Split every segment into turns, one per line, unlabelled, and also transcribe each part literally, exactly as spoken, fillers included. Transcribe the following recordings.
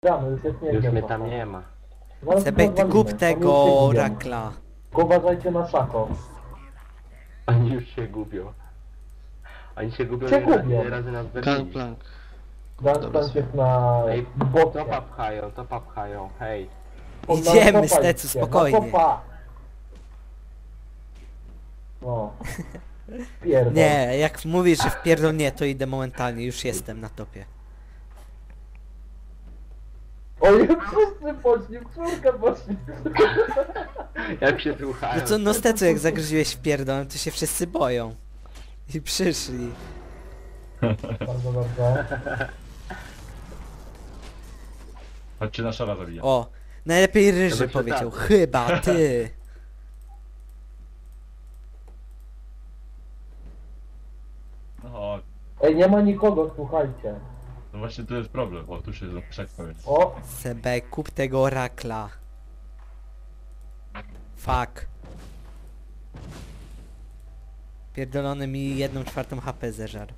Ściany, już jest nie
Już
wiem,
mnie
co
tam
to.
nie ma.
Zaraz
Sebek, ty
rozwalimy,
kup
oni
tego
już się gubią.
rakla.
Tylko uważajcie na szako.
Oni już się gubią. Oni się gubią
Się
ile ra-
gubią.
ile razy nas zabili.
Gangplank.
Gangplank jest na
Ej,
bocie.
topa pchają, topa pchają, hej.
On na
Idziemy,
topa
Stecu,
idzie, na
spokojnie.
topa. O. Pierdol.
Nie, jak mówisz, że wpierdol nie, to idę momentalnie, już jestem na topie.
Oj, wszyscy poszli, w czwórkę poszli.
Jak się słuchają.
No co, no Stecu, jak zagryziłeś w pierdol, to się wszyscy boją. I przyszli.
Bardzo dobrze.
Chodźcie na szara zabija.
O, najlepiej Ryży
Żeby
powiedział,
przydatny.
chyba ty.
No,
Ej, nie ma nikogo, słuchajcie.
no właśnie tu jest problem, o tu się krzak powiem.
O,
Sebek, kup tego rakla. Fuck. Pierdolony mi jedną czwartą H P zeżar.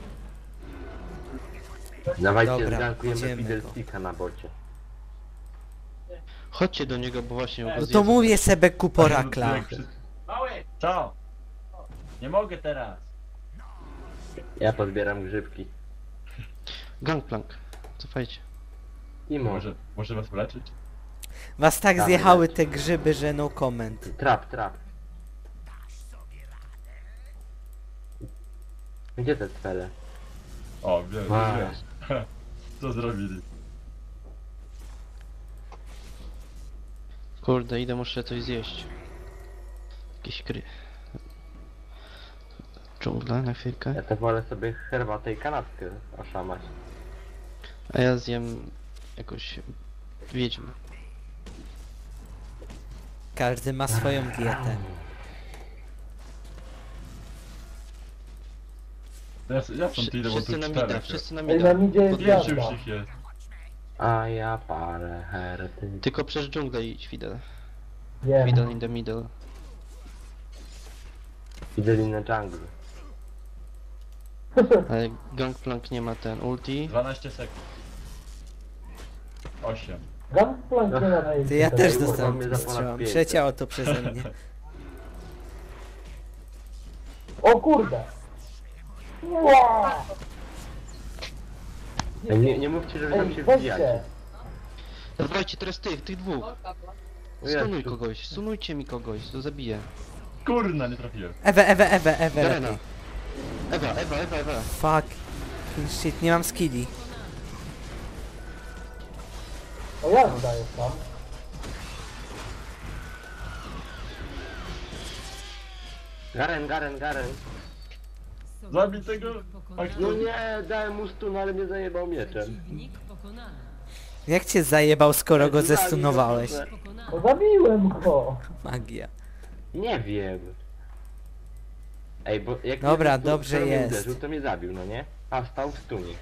Dawajcie,
Dobra,
zgankujemy
idziemy go.
Fiddlesticka na bocie.
Chodźcie do niego, bo właśnie go
No to
zjedzą.
mówię Sebek, kup rakla.
Mały! Co? Nie mogę teraz.
Ja podbieram grzybki.
Gangplank. Cofajcie.
I może.
Może, może was wyleczyć?
Was tak
Dawaj,
zjechały
leć.
te grzyby, że no comment.
Trap, trap. Gdzie te cele?
O, wiem,
A.
wiesz. Co zrobili?
Kurde, idę, muszę coś zjeść. Jakieś kry. Dżungla na chwilkę.
Ja to wolę sobie herbatę i kanapkę oszamać.
A ja zjem jakoś wiedźmę.
Każdy ma swoją dietę.
Ja, ja stąd
Wszy-
idę, bo tu
Wszyscy na
czterech
mida,
jest.
wszyscy na
ej,
mida.
na midzie jest
Podjeżdżaj.
Pięciu
jazda.
już ich jest.
A ja parę herety.
Tylko przez dżunglę idź, Fidel.
Wiem.
Fidel in the middle.
Fiddle in the jungle.
Ale Gangplank nie ma ten ulti.
dwanaście sekund. osiem.
Gangplank nie ma na
To ja też
Ej,
dostałem
mnie za ponad
strzałam.
pięćset.
Przeciało to przeze mnie.
O kurde. Wow.
Ej, nie, nie mówcie, żeby tam
Ej,
się
weźcie.
wbijacie.
Dawajcie teraz tych, tych dwóch.
O Jezu.
Stunuj kogoś, stunujcie mi kogoś, to zabiję.
Kurna, nie trafiłem.
Ewe, Ewe, Ewe, Ewe
Garena.
lepiej.
Ewa, Ewa, Ewa, Ewa.
Fuck. Shit, nie mam skilli.
O jazda jest tam.
Garen, Garen, Garen.
Zabij tego!
No nie, dałem mu stun, ale mnie zajebał mieczem.
Przeciwnik pokonany.
Jak cię zajebał, skoro go
Zabił,
zestunowałeś?
proszę.
Pokonany.
No zabiłem go.
Magia.
Nie wiem. Ej, bo jak
Dobra,
mnie
dobrze
skoro mnie
jest.
uderzył, to mnie zabił, no nie? A stał w stunie.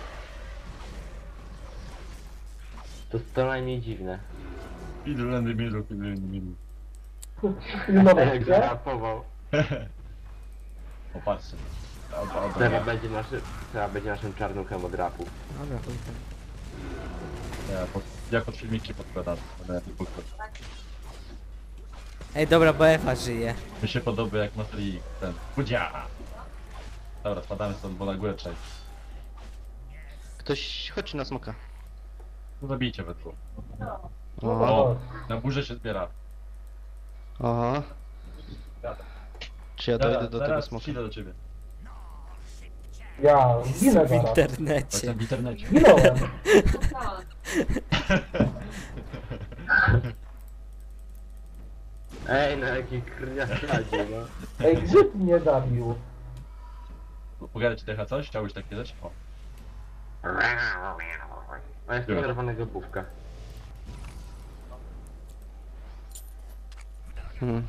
To to najmniej dziwne.
Fiddle and the middle, fiddle and the middle.
Pilnować
Jak
się.
zarapował.
O, patrzcie. Dobra,
Teraz
dobra.
będzie, naszy, teraz będzie naszym czarnuchem od rapu.
Dobra, chuj tam.
Ja, pod, ja pod filmiki podkładam. Będę tu podkładał.
Ej, dobra, bo Ewa żyje.
Mi się podoba jak Matri ten. Budzia! Dobra, spadamy stąd, bo na górę trzeba. iść.
Ktoś, chodź na smoka.
No zabijcie we dwóch.
O,
O, na górze się zbiera.
o. Czy ja dojdę do tego
zaraz
smoka?
idę do ciebie.
Ja zginę
W
zaraz.
internecie.
Jestem w internecie.
Zginąłem.
Ej, no jaki krwiakladzie, no.
Ej, grzyb mnie zabił.
Pogadać ci Decha coś? Chciałbyś tak kiedyś? O.
A jest
Dobra.
czerwonego główka.
Hmm.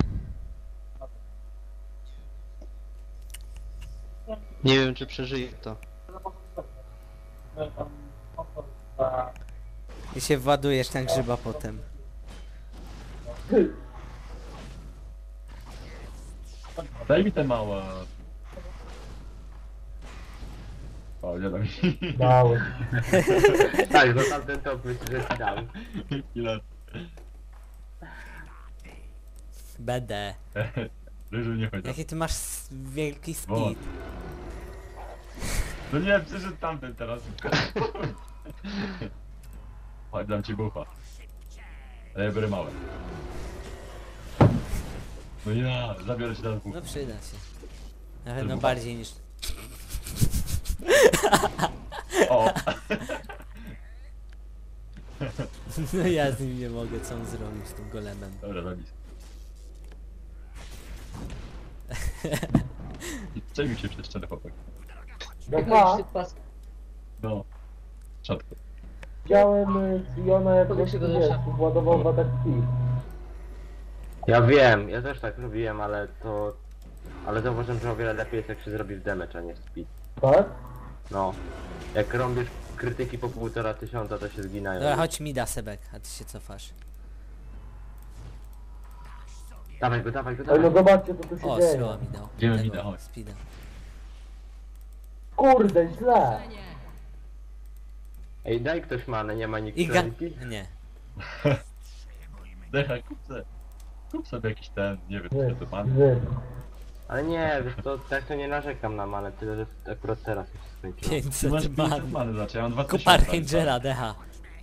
Nie wiem, czy przeżyję to.
I się władujesz na grzyba potem.
Daj mi te małe. O, nie da mi.
Dałeś.
Tak, no tamten top myślę, że ci dam.
Ile?
B D.
Ryżu nie chodzi.
Jaki ty masz s- wielki
Bo-
speed.
No nie, przyszedł tamten teraz. Chodź, dam ci bufa. Ale ja biorę małe. No ja, zabiorę ci teraz bufa.
No przyda się. Na pewno
Tylko-
bardziej niż...
O!
No ja z nim nie mogę, co on zrobił z tym golemem.
Dobra, remis. Czemu się przez ścianę chłopak?
Jak ma,
No. Rzadko.
widziałem y, Siona jak
Podaj się do
wiesz,
desza.
władował w atak speed.
Ja wiem, ja też tak robiłem, ale to... Ale zauważyłem, że o wiele lepiej jest jak się zrobi w damage, a nie w speed.
Tak?
No. Jak robisz krytyki po półtora tysiąca, to się zginają.
Dobra, chodź mi da Sebek, a ty się cofasz.
Dawaj go, dawaj go,
Ej, no
dawaj.
zobaczcie co tu się
O,
dzieje.
strzała mi dał.
Idziemy
Tego,
mida, chodź.
Speeda.
Kurde, źle.
Ej, daj ktoś manę, nie ma nikt
I ga...
krytyki?
Nie.
Decha, kup se. Kup sobie jakiś ten, nie wiem, co
Wy,
to pan.
wy.
Ale nie, wiesz to tak to nie narzekam na manę, tyle że akurat teraz już się skończyło.
Ty masz
pięćset
pięćset
man.
many, znaczy ja mam dwa
Kup
tysiące.
Archangela, decha.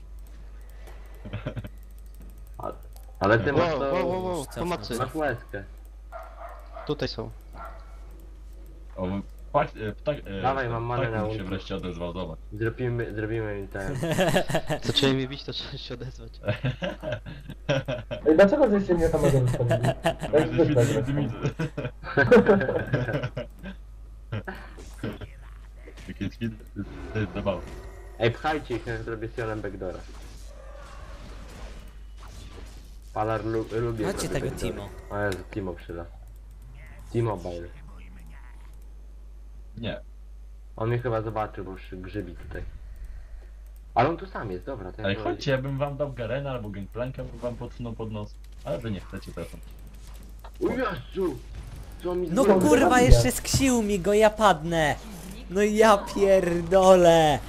A- Ale ty masz
Wow,
to...
wow, wow, wow,
Co?
pomocy.
Masz łezkę.
Tutaj są.
O, ptak, e, ptak, e,
Dawaj, mam manę
ptak
na
mi się
ulti.
wreszcie odezwał, zobacz.
Zrobimy, zrobimy mi ten...
Zaczęli mnie bić, to trzeba się odezwać.
Ej, dlaczego żeście mnie tam mogę zostawili? Jak
Widzę,
zwykle
widzę,
zresztą.
widzę. Jakie skid, to jest zabawa.
Ej, pchajcie ich, jak zrobię Sionem backdoora. Palar lu lubi...
Chodźcie
robić
tego
backdoora.
Timo.
O Jezu, Timo przyda. T-Mobile.
Nie.
On mnie chyba zobaczył, bo już grzybi tutaj. Ale on tu sam jest, dobra. To ja
Ale
go-
chodźcie, ja bym wam dał Garena albo Gangplanka, bym wam podsunął pod nos. Ale wy nie chcecie teraz.
O Jezu! Co mi
No
zrobił?
kurwa,
zabija.
jeszcze sksił mi go, ja padnę. No ja pierdolę.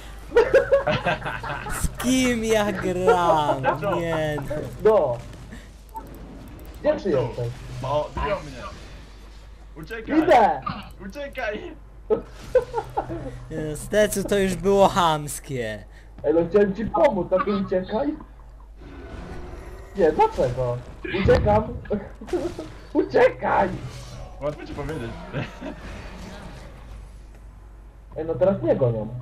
Z kim ja gram? Nie no.
No. Gdzie ty jesteś?
O, biją mnie! Uciekaj!
Idę!
Uciekaj!
Nie no, Stecu to już było chamskie.
Ej, no chciałem ci pomóc, a ty uciekaj. Nie, dlaczego? Uciekam. Uciekaj!
Łatwo ci powiedzieć.
Ej, no teraz nie gonią.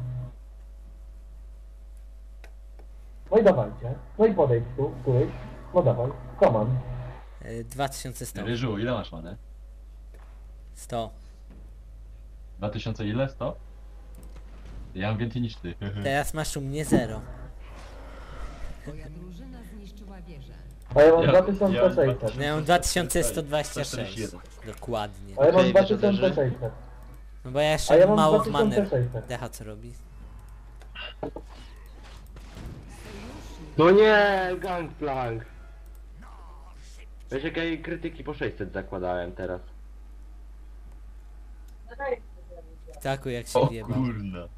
No i dawajcie. No i podejdź tu, któryś. No dawaj, koman.
Y, dwa tysiące sto.
Ryżu, ile masz manę?
sto.
dwa tysiące ile? sto? Ja mam więcej niż ty.
Teraz masz u mnie zero.
Twoja drużyna zniszczyła wieżę.
A ja mam
Ja-
dwa tysiące
ja mam
sześćset.
No ja mam dwa tysiące sto dwadzieścia sześć.
sto czterdzieści jeden.
Dokładnie.
A ja mam
Okej,
dwa
wieża
tysiące
leży.
sześćset.
No bo ja
A
jeszcze
ja
mam
mam
mało
dwa
w manę.
tysiące sześćset.
Decha co robi?
No nie, Gangplank! Wiesz jakie krytyki po sześćset zakładałem teraz.
Taku jak się
O
wjebał.
kurna.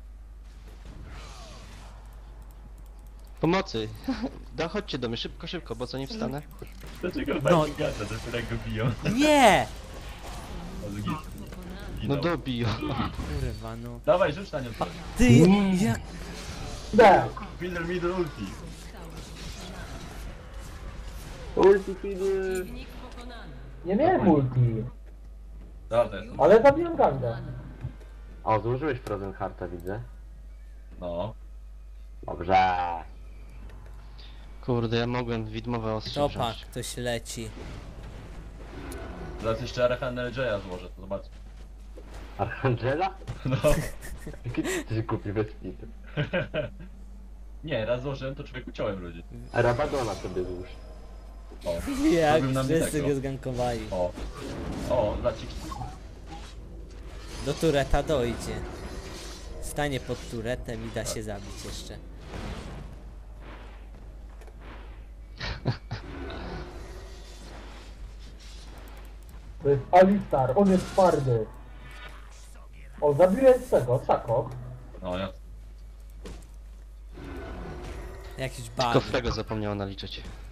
Pomocy! Da, chodźcie do mnie, szybko, szybko, bo co nie wstanę?
Dlaczego
No.
no. gada, dopiero jak go biją?
Nie!
O, zgin.
No
Zginął.
dobiją.
Kurwa no.
Dawaj, rzuć na nią coś.
Ty, jak...
Idę!
Middle, middle ulti.
Ulti feeder!
Nie miałem multi.
Dobra, to jest.
Ale zabiłem ganga.
O, złożyłeś Frozen Hearta, widzę.
No.
Dobrze.
Kurde, ja mogłem widmowe ostrze
Topa,
wziąć.
ktoś leci.
Zaraz jeszcze Arachanel Jaya złożę, to zobacz.
Archangela?
No.
Jaki ty jesteś głupi bez pitu.
Nie, raz złożyłem, to człowieku ciąłem ludzi.
A Rabadona sobie złóż.
O.
Jak
Zrobił nam
wszyscy
tego.
go zgankowali.
O. O, zacik.
Do tureta dojdzie. Stanie pod turetem i da się zabić jeszcze.
To jest Alistar, on jest twardy. O, zabiłem z tego, Szako.
No ja...
Jakiś
Tylko
bug.
Frego zapomniał naliczyć.